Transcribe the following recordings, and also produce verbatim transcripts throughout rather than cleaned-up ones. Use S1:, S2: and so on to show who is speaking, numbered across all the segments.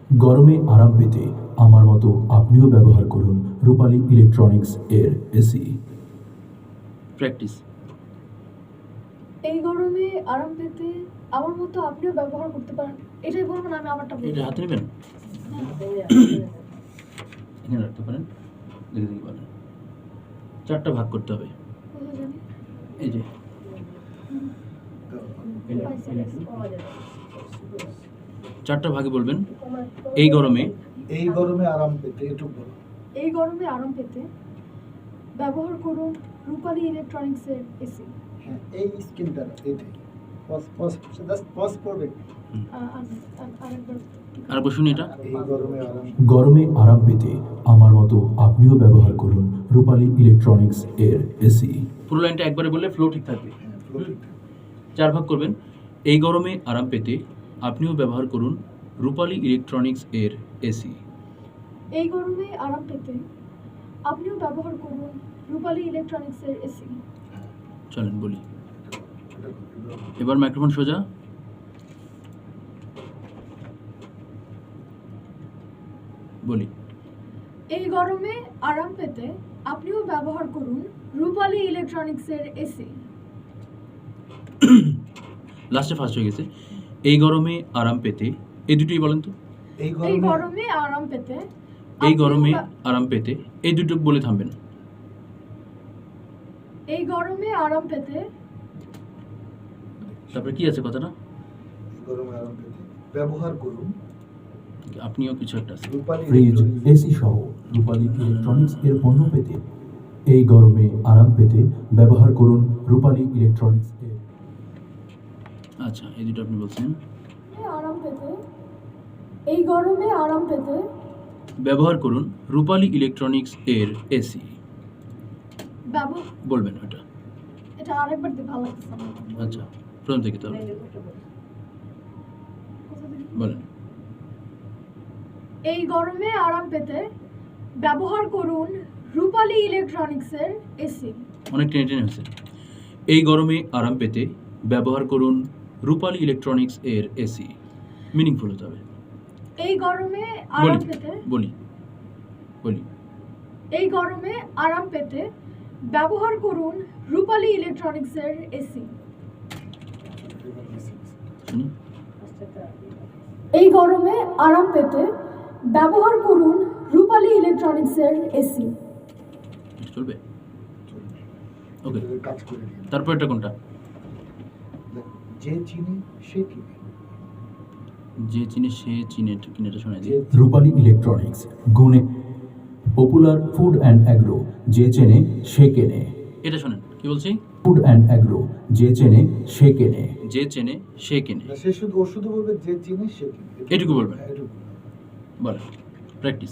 S1: গরমে আরাম পেতে আমার মতো আপনিও ব্যবহার করুন রূপালী ইলেকট্রনিক্স এর এসি।
S2: প্র্যাকটিস।
S3: এই গরমে আরাম পেতে আমার মতো আপনিও ব্যবহার করতে পারেন। এটাই বলবো না, আমি আমারটা বলবো।
S2: এটা হাতে নেবেন, এখানে রাখতে পারেন, দেখে দেখে পারেন। চারটা ভাগ করতে হবে।
S3: কোথায় জানি?
S2: এই যে চারটা ভাগে বলবেন। এই গরমে
S4: এই গরমে আরাম পেতে এটুকু বলো।
S3: এই গরমে আরাম পেতে ব্যবহার করুন রূপালী ইলেকট্রনিক্সের এসি।
S4: হ্যাঁ, এই স্কিনটা এইটাই পজ পজ জাস্ট পজ করবে।
S3: আরেকবার
S2: আরেকবার শুনি এটা।
S4: এই গরমে আরাম
S1: গরমে আরাম পেতে আমার মতো আপনিও ব্যবহার করুন রূপালী ইলেকট্রনিক্স এর এসি।
S2: পুরো লাইনটা একবারে বললে ফ্লো ঠিক থাকবে।
S4: হ্যাঁ, ফ্লো ঠিক থাকে।
S2: চার ভাগ করবেন। এই গরমে আরাম পেতে আপনিও ব্যবহার করুন রূপালী ইলেকট্রনিক্স এর এসি।
S3: এই গরমে আরাম পেতে আপনিও ব্যবহার করুন রূপালী ইলেকট্রনিক্সের এসি।
S2: চলেন বলি।
S4: এটা করতে
S2: এবার মাইক্রোফোন সোজা। বলি।
S3: এই গরমে আরাম পেতে আপনিও ব্যবহার করুন রূপালী ইলেকট্রনিক্সের এসি।
S2: লাস্টে ফার্স্ট হয়ে গেছে। এই গরমে আরাম পেতে, এই দুটোই বলেন তো।
S4: এই
S3: এই
S4: গরমে
S3: গরমে আরাম পেতে
S2: এই
S3: আপনিও
S2: গরমে
S3: বা-
S2: আরাম পেতে, এই দুটো বলে থামবেন।
S3: এই গরমে আরাম পেতে
S2: তারপরে কি আছে কথাটা?
S4: এই গরমে আরাম পেতে ব্যবহার করুন
S2: আপনিও কিছু একটা আছে।
S4: রূপালী
S1: ফ্রিজ, এসি সহ রূপালী ইলেকট্রনিক্স এর পণ্য পেতে এই গরমে আরাম পেতে ব্যবহার করুন রূপালী ইলেকট্রনিক্স এর।
S2: আচ্ছা, এই দুটো আপনি বলছেন।
S3: আরাম পেতে এই গরমে আরাম পেতে
S2: ব্যবহার করুন রূপালী ইলেকট্রনিক্স এর এসি।
S3: ব্যবহার
S2: বলবেন ওটা।
S3: এটা আরেকবার দিতে ভালো লাগছে আমার।
S2: আচ্ছা, প্রথম থেকে তো
S3: কোথা থেকে?
S2: বলেন।
S3: এই গরমে আরাম পেতে ব্যবহার করুন রূপালী ইলেকট্রনিক্সের এসি।
S2: অনেক টেনে টেনে হয়েছে। এই গরমে আরাম পেতে ব্যবহার করুন রূপালী ইলেকট্রনিক্স এর এসি। মিনিংফুল হতে হবে।
S3: এই গরমে
S2: বলি
S3: আরাম পেতে
S2: বলি বলি
S3: এই গরমে আরাম পেতে ব্যবহার করুন রূপালী ইলেকট্রনিক্সের এসি।
S2: শুনি।
S3: এই গরমে আরাম পেতে ব্যবহার করুন রূপালী ইলেকট্রনিক্সের এসি।
S2: এটা চলবে? ওকে,
S4: এটাকে কাজ করে দিন।
S2: তারপর এটা কোনটা?
S4: দেখো, যে চিনি সে কিনে
S2: যে চিনে সে চিনে, এটা কিনে, এটা শোনা
S4: যে
S2: যায়।
S1: রূপালী ইলেকট্রনিক্স গুণে পপুলার ফুড অ্যান্ড অ্যাগ্রো, যে চেনে সে কেনে।
S2: এটা শোনেন কি বলছি।
S1: ফুড অ্যান্ড অ্যাগ্রো, যে চেনে সে কেনে।
S2: যে চেনে সে কেনে।
S4: না, সে শুধু ও শুধু বলবে যে চিনি সে কিনে।
S2: এটুকু বলবেন।
S4: হ্যাঁ, এটুকু।
S2: বলেন। প্র্যাকটিস।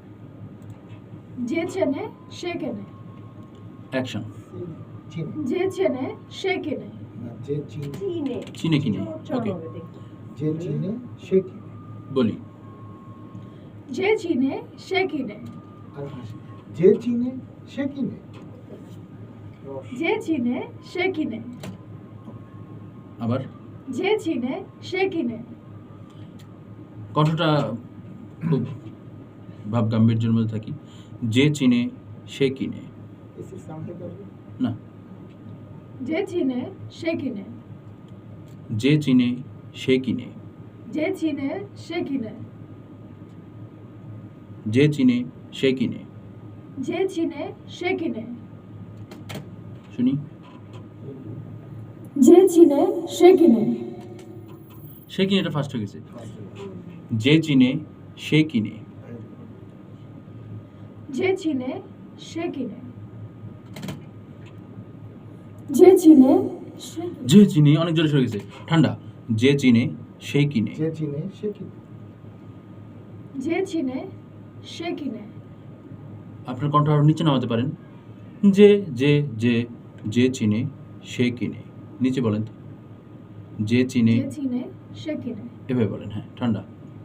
S3: যে চেনে সে কেনে।
S2: অ্যাকশন।
S4: চিনি
S3: যে চেনে সে কেনে।
S4: না, যে চিনি
S2: চিনে কিনে। ওকে,
S4: যে চিনি সে কিনে।
S2: বলি।
S3: যে চিনে সে কিনে।
S4: আর হাসি, যে চিনি সে কিনে।
S3: যে চিনে সে কিনে।
S2: আবার
S3: যে চিনে সে কিনে।
S2: কণ্ঠটা খুব ভাব গাম্ভীর্যের মধ্যে থাকি। যে চিনে সে কিনে।
S4: এসির সাউন্ডটা করবে।
S2: না,
S3: যে চিনে সে কিনে।
S2: যে চিনে সে কিনে।
S3: যে চিনে সে কিনে।
S2: যে চিনে সে কিনে।
S3: যে চিনে সে কিনে।
S2: শুনি।
S3: যে চিনে সে কিনে।
S2: সে কিনে, এটা ফার্স্ট হয়ে গেছে। যে চিনে সে কিনে।
S3: যে চিনে সে কিনে। যে চিনে সে কিনে।
S2: যে চিনে, অনেক জোরে সরে গেছে। ঠান্ডা। যে চিনে সে কিনে।
S4: যে চিনি সে কিনে।
S3: যে চিনে সে কিনে।
S2: আপনার কণ্ঠ আরো নিচে নামাতে পারেন। যে যে যে যে চিনে সে কিনে। নিচে বলেন তো। যে চিনে,
S3: যে চিনে সে কিনে।
S2: এভাবে বলেন। হ্যাঁ, ঠান্ডা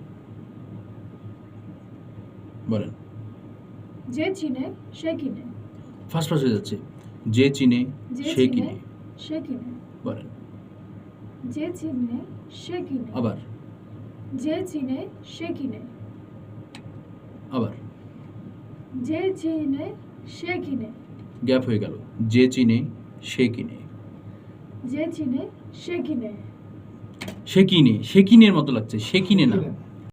S2: বলেন।
S3: যে চিনে সে কিনে।
S2: ফার্স্ট ফার্স্ট হয়ে যাচ্ছে। যে চিনে
S3: যে
S2: সে
S3: চিনে
S2: কিনে।
S3: সে কিনে।
S2: বলেন।
S3: যে চিনে সে কিনে।
S2: আবার।
S3: যে চিনে সে কিনে
S2: আবার
S3: যে চিনে সে কিনে
S2: গ্যাপ হয়ে গেল। যে চিনে সে কিনে,
S3: যে চিনে সে কিনে
S2: সে কিনে, সে কিনের মতো লাগছে, সে কিনে না,
S4: কিনে।